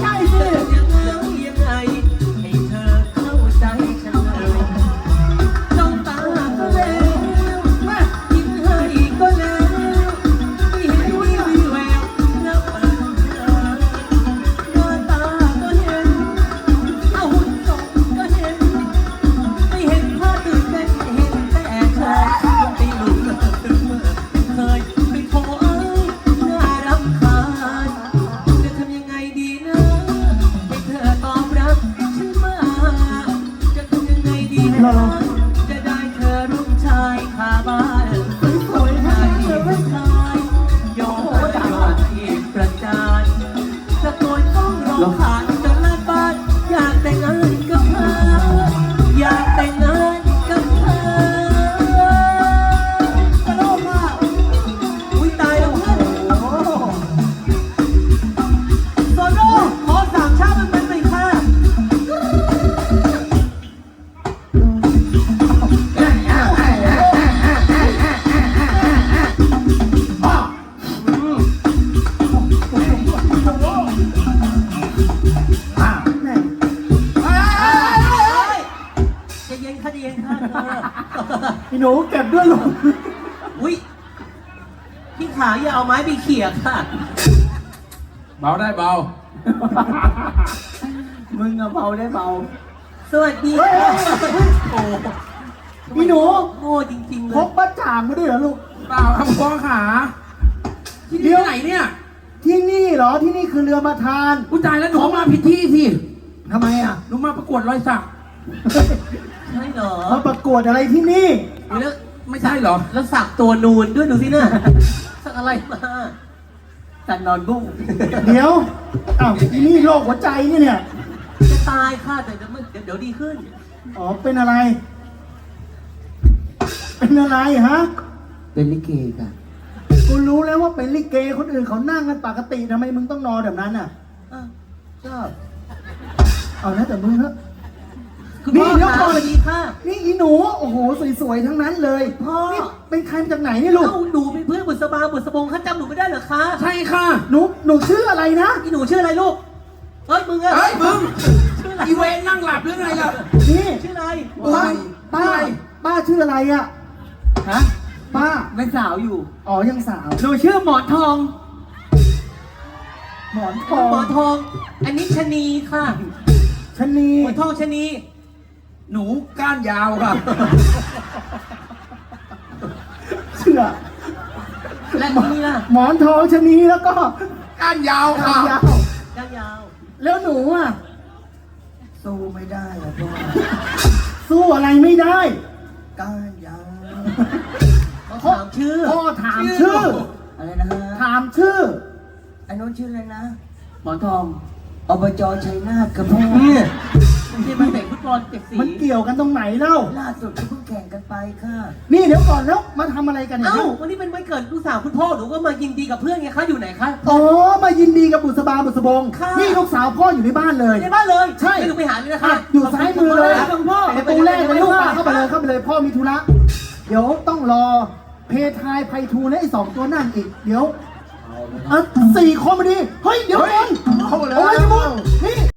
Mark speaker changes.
Speaker 1: ช่สิ
Speaker 2: ยังไงให้เธอเข้าใจฉันเลยจ้องตาก็แล้วมายิ้มให้ก็แล้วไม่เห็นมีวี่แววแล้วเปิดเผยหน้าตาก็เห็นเอาหุ่นทรงก็เห็นไม่เห็นภาพตื่นเต้นเห็นแต่เธอตีหลุดเคยเป็นโผเอ้ยน่ารำคาญจะทำยังไงดีนะให้เธอตอบรับฉันมาจะทำยังไงดีนะจะได้เธอร่วมชายคาบ้านสวยๆให้เธอไม่คลายยอมให้ประจานตะโกนต้องร้องผ่านจนลาดบ้านอยากแต่งงานกับเธออยากแต่งงานกับเธอ
Speaker 1: กระโดดมา
Speaker 2: อุ้ยตายแล้วเพื่อนโซโล่ขอสามชาติมันไปค่ะจะเย็นค่ะจะเย็นค่ะ
Speaker 1: พี่หนูเก็บด้วยลูก
Speaker 2: อุ้ยพี่ขาอย่าเอาไม้ไปเขี่ยค่ะ
Speaker 3: เบาได้เบา
Speaker 1: มึงอะเบาได้เบา
Speaker 2: สวัสดีค่ะโอ้
Speaker 1: พี่หนู
Speaker 2: โง่จริงๆเล
Speaker 1: พ
Speaker 2: ย
Speaker 1: กบ้าจ่างมาด้วยเหรอลูก
Speaker 3: เปล่าครับพ่อขาที่นี่ไหนเนี่ย
Speaker 1: ที่นี่เหรอที่นี่คือเรือมาทาน
Speaker 3: อุ้ยตายแล้วหนูมาผิดที่สิ
Speaker 1: ทำไมอ่ะ
Speaker 3: หนูมาประกวดรอยสัก
Speaker 2: ใช่เหรอ
Speaker 1: มาประกวดอะไรที่นี่
Speaker 2: แล้ว
Speaker 3: ไม่ใช่เหรอ
Speaker 2: แล้วสักตัวนูนด้วยดูสิเนี่ยสักอะไรมาสักนอนบุ้ง
Speaker 1: เดี๋ยวอ้าวที่นี่โรคหัวใจนี่เนี่ย
Speaker 2: จะตายค่ะแต่เดี๋ยวดีขึ้น
Speaker 1: อ๋อเป็นอะไร เป็นอะไรฮะ
Speaker 2: เป็นลิเกค่ะ
Speaker 1: กูรู้แล้วว่าเป็นลิเกคนอื่นเขานั่งกันปกติทำไมมึงต้องนอนแบบนั้นอ่ะ
Speaker 2: ชอบ
Speaker 1: เอานะแต่มึงเถอะ
Speaker 2: คุณ
Speaker 1: นี่
Speaker 2: พ่อ
Speaker 1: เดี๋ยว
Speaker 2: คะ
Speaker 1: ก่อน
Speaker 2: สวัสดีค่ะ
Speaker 1: นี่อีหนูโอ้โหสวยๆทั้งนั้นเลย
Speaker 2: พ่อ
Speaker 1: นี่เป็นใครมาจากไหนเนี่ยลูก
Speaker 2: เอ้าหนูเป็นเพื่อนบุษบาบุษบงข้าจำหนูไม่ได้เหรอคะ
Speaker 3: ใช่ค่ะ
Speaker 1: หนูชื่ออะไรนะ
Speaker 2: อีหนูชื่ออะไรลูกเฮ้ยมึงอะ
Speaker 3: เฮ้ยมึง
Speaker 2: ชื่ออะไร
Speaker 3: อีเวนนั่งหลับหรือไงล่ะ
Speaker 1: นี่
Speaker 2: ชื่ออะไร
Speaker 1: ป้าชื่ออะไรอ่ะฮะป้า
Speaker 2: เป็นสาวอยู่
Speaker 1: อ๋อยังสาว
Speaker 2: หนูชื่อหมอนทอง
Speaker 1: หมอนท
Speaker 2: หม
Speaker 1: อ
Speaker 2: อง นทอง อันนี้ชะนีค่ะ
Speaker 1: ชะนี
Speaker 2: หมอนทองชะนี
Speaker 3: หนูก้านยาวค่ะ
Speaker 1: เชื่อ
Speaker 2: และนี่ล่ะ
Speaker 1: หมอนทองชะนีแล้วก็
Speaker 3: ก้านยาวค่ะ
Speaker 1: ยาว
Speaker 2: ยาวยาว
Speaker 1: แล้วหนูอ่ะ
Speaker 4: สู้ไม่ได้อะพ่อ
Speaker 1: สู้อะไรไม่ได้
Speaker 4: ก้านยาว
Speaker 2: เขาถามชื่อ
Speaker 1: พ่อถามชื่อ
Speaker 4: อะไรนะฮะ
Speaker 1: ถามชื่อ
Speaker 4: ไอ้โน้นชื่ออะไรนะ
Speaker 2: หมอนทอง
Speaker 4: อบจชัยนาทกับพ่อ
Speaker 2: เนี่ยไม่ใช่มาเตะฟุตบอลเจ็ดสี
Speaker 1: มันเกี่ยวกันตรงไหนเล่า
Speaker 4: ล่าสุดที่เพิ่งแข่งกันไปค่ะ
Speaker 1: นี่เดี๋ยวก่อนแล้วมาทำอะไรกันเนี่ย
Speaker 2: เอ้าวันนี้เป็นวันเกิดลูกสาวคุณพ่อหนูก็มายินดีกับเพื่อนไงคะอยู่ไหนคะ
Speaker 1: อ๋อมายินดีกับบุษบาบุษบง
Speaker 2: ค่ะ
Speaker 1: นี่ลูกสาวพ่ออยู่ในบ้านเลย
Speaker 2: ในบ้านเลย
Speaker 1: ใช่
Speaker 2: ไม่ต้องไปหาเลยนะคะ
Speaker 1: อ่ะอยู่ซ้ายมือเลย
Speaker 2: ขบคุณพ่อ
Speaker 1: ประตูแรกเลยลูกป่าเข้าไปเลยเข้าไปเลยพ่อมีธุระเดี๋ยวต้องรอเพทายไพฑูรย์และไอ้สองตัวนั่นอีกเดี๋ยว4 คนมาดีเฮ้ยเดี๋ยวก่อน
Speaker 3: เข้ามาเลย
Speaker 1: โอ้ยมึงนี่